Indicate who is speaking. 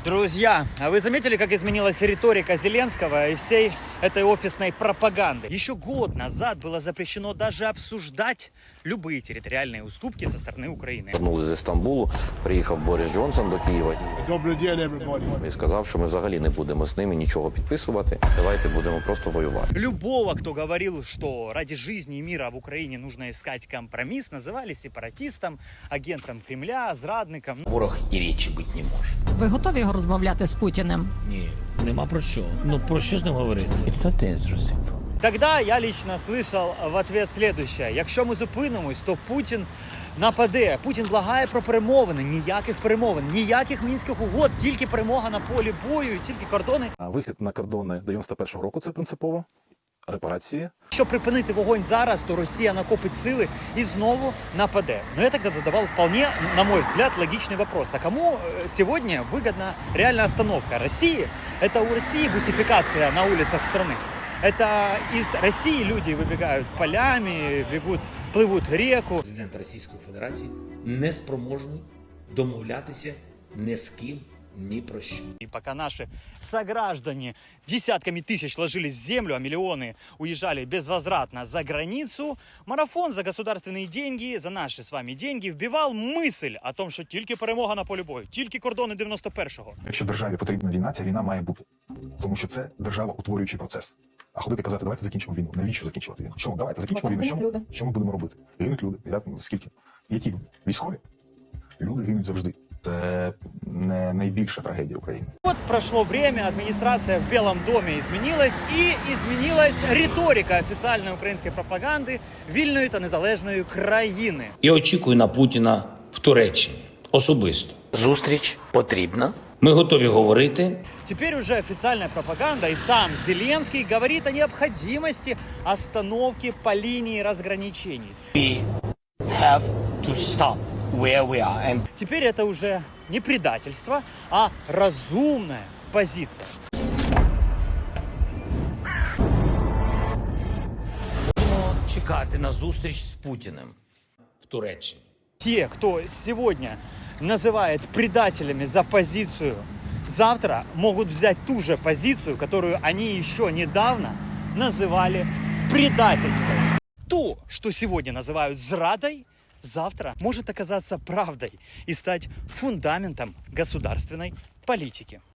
Speaker 1: Друзья, а вы заметили, как изменилась риторика Зеленского и всей этой офисной пропаганды? Еще год назад было запрещено даже обсуждать любые территориальные уступки со стороны Украины.
Speaker 2: Вернулись з Стамбулу, приїхав Борис Джонсон до Києва
Speaker 3: Добрий день, everybody.
Speaker 2: і сказав, що ми взагалі не будемо з ними нічого підписувати. Давайте будемо просто воювати.
Speaker 1: Любого, кто говорил, что ради жизни и мира в Украине нужно искать компромисс, называли сепаратистом, агентом Кремля, зрадником.
Speaker 4: Ворог і речі бути не може.
Speaker 5: Ви готові його розмовляти з Путіним?
Speaker 4: Ні, нема про що. Ну про що з ним говорити? It's not interesting for me.
Speaker 1: Тогда я лично слышал в ответ следующее. Якщо ми зупинимось, то Путін нападе. Путін благає про перемовини. Ніяких перемовин, ніяких мінських угод, тільки перемога на полі бою, тільки кордони.
Speaker 6: Вихід на кордони 91-го року – це принципово. Репарації.
Speaker 1: Щоб припинити вогонь зараз, то Росія накопить сили и знову нападе. Но я тогда задавал вполне, на мой взгляд, логичный вопрос. А кому сегодня выгодна реальная остановка? России? Это у России бусификация на улицах страны. Это из России люди выбегают полями, плывут реку.
Speaker 4: Президент Російської Федерації не спроможний домовлятися ні з ким, ні про що.
Speaker 1: И пока наши сограждане десятками тысяч ложились в землю, а миллионы уезжали безвозвратно за границу, марафон за государственные деньги, за наши с вами деньги, вбивал мысль о том, що тільки перемога на полі бою, тільки кордони 91-го.
Speaker 6: Якщо державі потрібна війна, ця війна має бути. Тому що це державоутворюючий процес. А ходити казати, давайте закінчимо війну. Навіщо закінчувати війну? Чому? Давайте закінчимо війну. Що ми будемо робити? Гинуть люди. Скільки? Які люди? Військові? Люди гинуть завжди. Це не найбільша трагедія України.
Speaker 1: Вот прошло время, администрация в Белом доме изменилась, и изменилась риторика официальной украинской пропаганды вільної та незалежної країни.
Speaker 4: І очікую на Путіна в Туреччині. Особисто. Зустріч потрібна. Ми готові говорити.
Speaker 1: Теперь уже официальная пропаганда и сам Зеленский говорит о необходимости остановки по линии разграничений.
Speaker 4: We have to stop where we are. And
Speaker 1: Теперь это уже не предательство, а разумная позиция.
Speaker 4: будемо чекати на зустріч з Путіним в Туреччині.
Speaker 1: Те, кто сегодня называет предателями за позицию, завтра могут взять ту же позицию, которую они еще недавно называли предательской. То, что сегодня называют зрадой, завтра может оказаться правдой и стать фундаментом государственной политики.